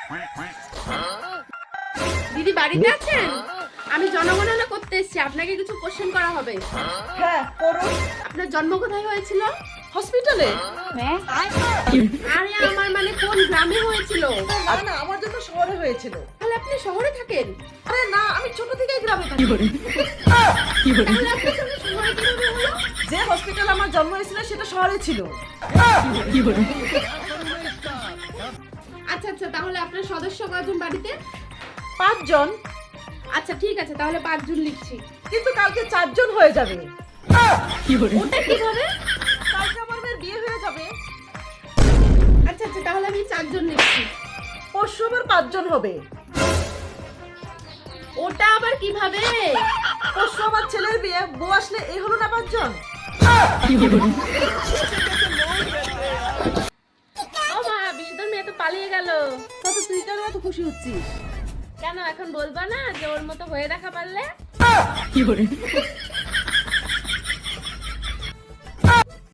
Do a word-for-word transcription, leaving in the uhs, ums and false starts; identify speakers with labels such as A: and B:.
A: দিদি বাড়িতে আছেন? আমি জনগণনা করতে এসেছি, আপনাকে কিছু কোশ্চেন করা হবে।
B: হ্যাঁ করুন।
A: আপনার জন্ম কোথায় হয়েছিল?
B: হসপিটালে?
A: আরে আমার মানে কোন গ্রামে হয়েছিল?
B: না না, আমার জন্য শহরে হয়েছিল।
A: তাহলে আপনি শহরে থাকেন?
B: আরে না, আমি ছোট থেকেই গ্রামে থাকি।
A: তাহলে আপনার জন্য শহরে কিভাবে হলো?
B: যে হসপিটাল আমার জন্ম হয়েছিল সেটা শহরে ছিল।
A: আচ্ছা আচ্ছা, তাহলে আপনার সদস্য কয়জন বাড়িতে?
B: পাঁচজন।
A: আচ্ছা ঠিক আছে, তাহলে পাঁচজন লিখছি।
B: কিন্তু কালকে চারজন হয়ে যাবে।
A: ওটা কিভাবে?
B: কালকে আমার মেয়ের বিয়ে হয়ে যাবে।
A: আচ্ছা আচ্ছা, তাহলে আমি চারজন লিখছি।
B: পরশু আবার পাঁচজন হবে।
A: ওটা আবার কিভাবে?
B: পরশু আমার ছেলের বিয়ে, বউ আসলে এই হলো না পাঁচজন।
A: ও মা, বিশুদ্ধর মেয়ে তো পালিয়ে গেল।
B: কত তুই কেন এত খুশি হচ্ছিস?
A: কেন এখন বলবা না যে ওর মতো হয়ে দেখা পারলে?